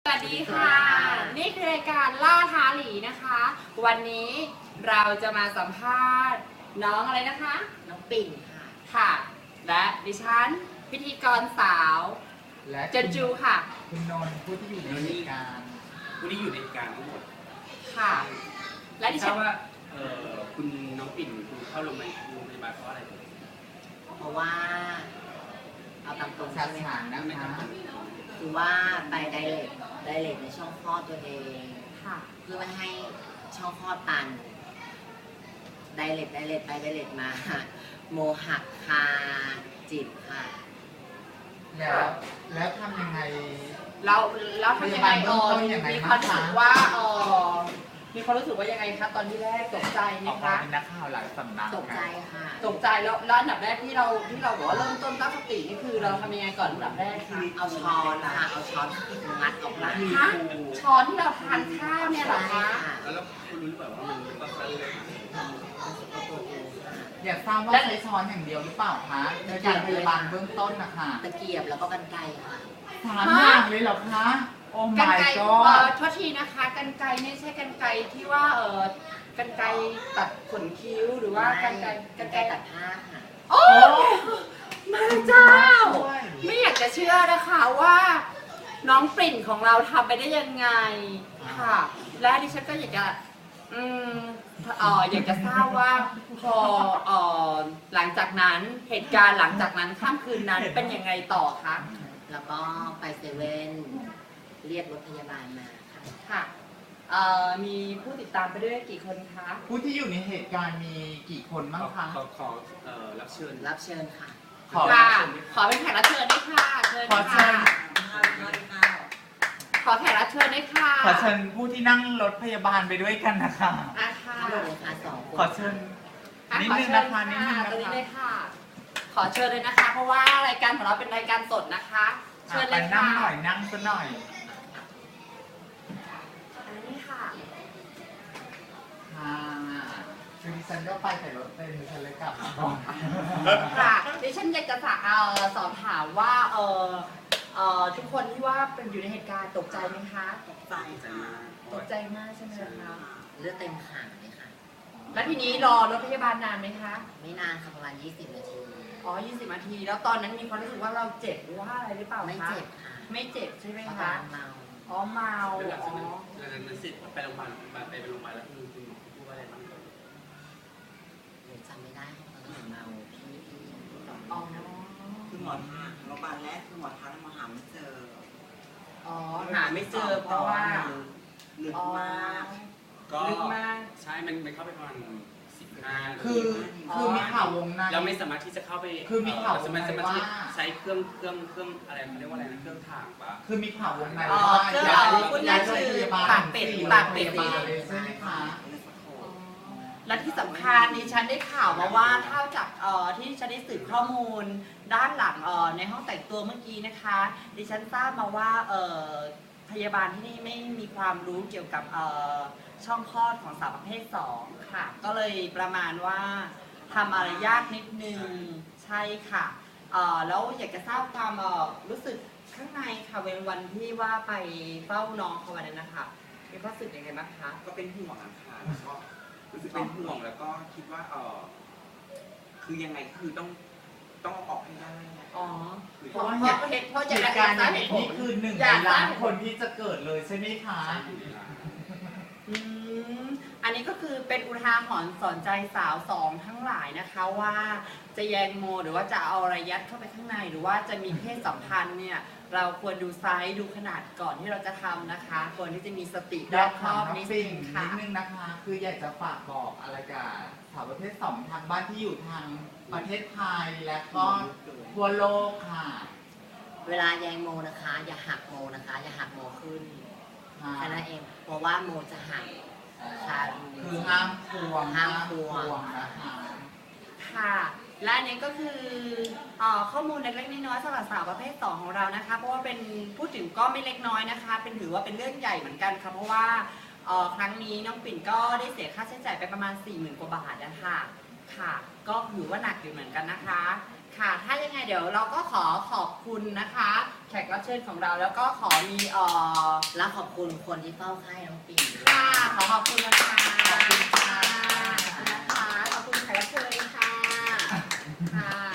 วัสดีค่ะ นี่คือรายการล่าท้าหลีนะคะ วันนี้เราจะมาสัมภาษณ์น้องอะไรนะคะน้องปิ่นค่ะค่ะ และดิฉันพิธีกรสาวและเจนจูค่ะคุณนนท์ผู้ที่อยู่ในเหตุการณ์ผู้ที่อยู่ในเหตุการณ์ทั้งหมดค่ะ และดิทฉัราน บว่าคุณน้องปิ่นคุณเข้าโรงพยาบาลเพราะอะไรเพราะว่าเอาตามตรงสาใช่ไหมสาคะรนะคะคือว่าไปไดเรกในช่องคลอดตัวเองค่ะเพื่อไม่ให้ช่องคลอดตันไดเรกไปไดเรกมา โมหักคาจิตค่ะแล้วทำยังไงเราทำยังไงพยาบาลเบื้องต้นยังไงมีบ้างความรู้สึกคะว่ามีความรู้สึกว่ายังไงคะตอนที่แรกตกใจไหมออกมาคะเป็นนักข่าวหลายสำนักตกใจค่ะตกใจแล้วอันดับแรกที่เราบอกว่าเริ่มต้นตั้งสตินี่คือเราทำยังไงก่อนอันดับแรกคะเอาช้อนค่ะ เอาช้อนงัดออกมาฮะช้อนที่เราทานข้าวเนี่ยเหรอใช่คะค่ะแล้วคุณรู้หรือเปล่าว่ามันเป็นต้นสายเลยอยากทราบว่าใช้ช้อนอย่างเดียวหรือเปล่าคะในการพยาบาลเบื้องต้นนะคะตะเกียบแล้วก็กรรไกรค่ะสามอย่างเลยเหรอคะ โอ้กัน my ไกร god โทษทีนะคะกันไกรไม่ใช่กันไกรที่ว่ากันไกรตัดขนคิ้วหรือว่ากันไกรกรรไกรตัดผ้าค่ะโอ้มาเจ้าช่วยไม่อยากจะเชื่อนะคะว่า น้องปริ่นของเราทำไปได้ยังไงค่ะ และดิฉันก็อยากจะอยากจะทราบว่าพอหลังจากนั้นเหตุการณ์หลังจากนั้นค่ำคืนนั้นเป็นยังไงต่อคะแล้วก็ไปเซเว่นเรียกรถพยาบาลมาค่ะค่ะมีผู้ติดตามไปด้วยกี่คนคะผู้ที่อยู่ในเหตุการณ์มีกี่คนบ้างคะขอรับเชิญรับเชิญค่ะขอค่ะขอเป็นแขกรับเชิญด้วยค่ะเชิญขอเชิค่ะญขอแขกรับเชิญด้วยค่ะขอเชิญผู้ที่นั่งรถพยาบาลไปด้วยกันนะคะอ่ะค่ะทั้งหมดเลยค่ะ2 คนขอเชิญอ่ะนิดขอนึงเชิญนะคะนิดนึงตรงนี้นะเลคะยค่ะ ขอเชิญเลยนะคะ เพราะว่ารายการของเราเป็นรายการสดนะคะ เชิญเลไปยนั่ค่ะงหน่อยนั่งซะหน่อยอันนี้ค่ะค่ะคือดิฉันก็ไปแต่รถเต็มดิฉันเลยกลับมาก่อนค่ะดิฉันอยากจะสอบถามว่าทุกคนที่ว่าเป็นอยู่ในเหตุการณ์ตกใจไหมคะตกใจใจมากตกใจมากใช่ไหมคะเลือดเต็มขาเลยค่ะแล้วทีนี้รอรถพยาบาลนานไหมคะไม่นานค่ะประมาณ20 นาทีอ๋อ 20 นาที แล้วตอนนั้นมีความรู้สึกว่าเราเจ็บหรือว่าอะไรหรือเปล่าคะไม่เจ็บค่ะไม่เจ็บใช่ไหมเพราะตอนคะนั้นเมาอ๋อ เมาแล้วหลังอ๋จากอนั้นเสร็จไปโรงพยาบาลแล้วคุณหมอพูดว่าอะไรบ้างหนูจำไม่ได้ค่ะตอนนั้นหนูเมาพี่สองอ๋อคือหมอทักโรงพยาบาลแรกคือหมอทักแล้วมาหาไม่เจออ๋อ หาไม่เจอเพราะว่าลึกอ๋อมากก็ลึกมากใช่มันเข้าไปประมาณ15 คือมีข่าววงในเราไม่สามารถที่จะเข้าไปคือมีข่าววงในสามารถว่าที่ใช้เครื่องอะไรเขาเรียกว่าอะไรนะเครื่องถ่างปะคือมีข่าววงในอ๋อว่าเครื่องย้ายพูดง่ายๆคือโรงพยาบาลปากเป็ดสี่ปากเป็ดโรงพยาบาลเลยใช่ไหมคะและที่สำคัญดิฉันได้ข่าวมาว่าเท่าจากที่ดิฉันได้สืบข้อมูลด้านหลังในห้องแต่งตัวเมื่อกี้นะคะ ดิฉันทราบมาว่าพยาบาลที่นี่ไม่มีความรู้เกี่ยวกับช่องคลอดของสาวประเภท2ค่ะ ก็เลยประมาณว่าทำอะไรยากนิดนึงใช่ค่ะแล้วอยากจะทราบความรู้สึกข้างในค่ะวันที่ว่าไปเฝ้าน้องเขาวันนั้นนะคะมีความรู้สึกยังไงบ้างคะก็เป็นห่วงนะคะแล้วก็รู้สึกเป็นห่วงแล้วก็คิดว่าคือยังไงคือต้องเอาออกให้ได้อ๋อเพราะว่าเพราะเหจะตุการณ์อย่างนี้นี่คือ1 ในล้านคนที่จะเกิดเลยใช่ไหมคะอืมอันนี้ก็คือเป็นอุทาหรณ์สอนใจสาวสองทั้งหลายนะคะว่าจะแยงโมหรือว่าจะเอาอะไรยัดเข้าไปข้างในหรือว่าจะมีเพศสัมพันธ์เนี่ยเราควรดูไซส์ดูขนาดก่อนที่เราจะทำนะคะควรที่จะมีสติรอยาอก บคถาอมบน้องนิดปิ่นึงงนิค่ะดนึงนะคะ คืออยากจะฝากบอกอะไรกับสาวประเภท2ทางบ้านที่อยู่ทางประเทศไทยและก็ทั่วโลกค่ะเวลาแยงโมนะคะ อย่าหักโมนะคะ อย่าหักโมขึ้นค่ะแค่นั้นเองเพราะว่าโมจะหักค่ะคือห้ามควงห้ามควงนะคะค่ะและอันนี้ก็คือข้อมูลเล็กๆน้อยๆสำหรับสาวประเภท2ของเรานะคะเพราะว่าเป็นพูดถึงก็ไม่เล็กน้อยนะคะเป็นถือว่าเป็นเรื่องใหญ่เหมือนกันค่ะเพราะว่าครั้งนี้น้องปิ่นก็ได้เสียค่าใช้จ่ายไปประมาณ 40,000 กว่าบาทนะคะค่ะก็ถือว่าหนักอยู่เหมือนกันนะคะค่ะ ถ้ายังไงเดี๋ยวเราก็ขอขอบคุณนะคะ แขกรับเชิญของเราแล้วก็ขอมีและขอบคุณคนที่เฝ้าไข้น้องปิ่นค่ะขอขอบคุณนะคะขอบคุณค่ะขอบคุณนะคะขอบคุณแขกรับเชิญค่ะค่ะ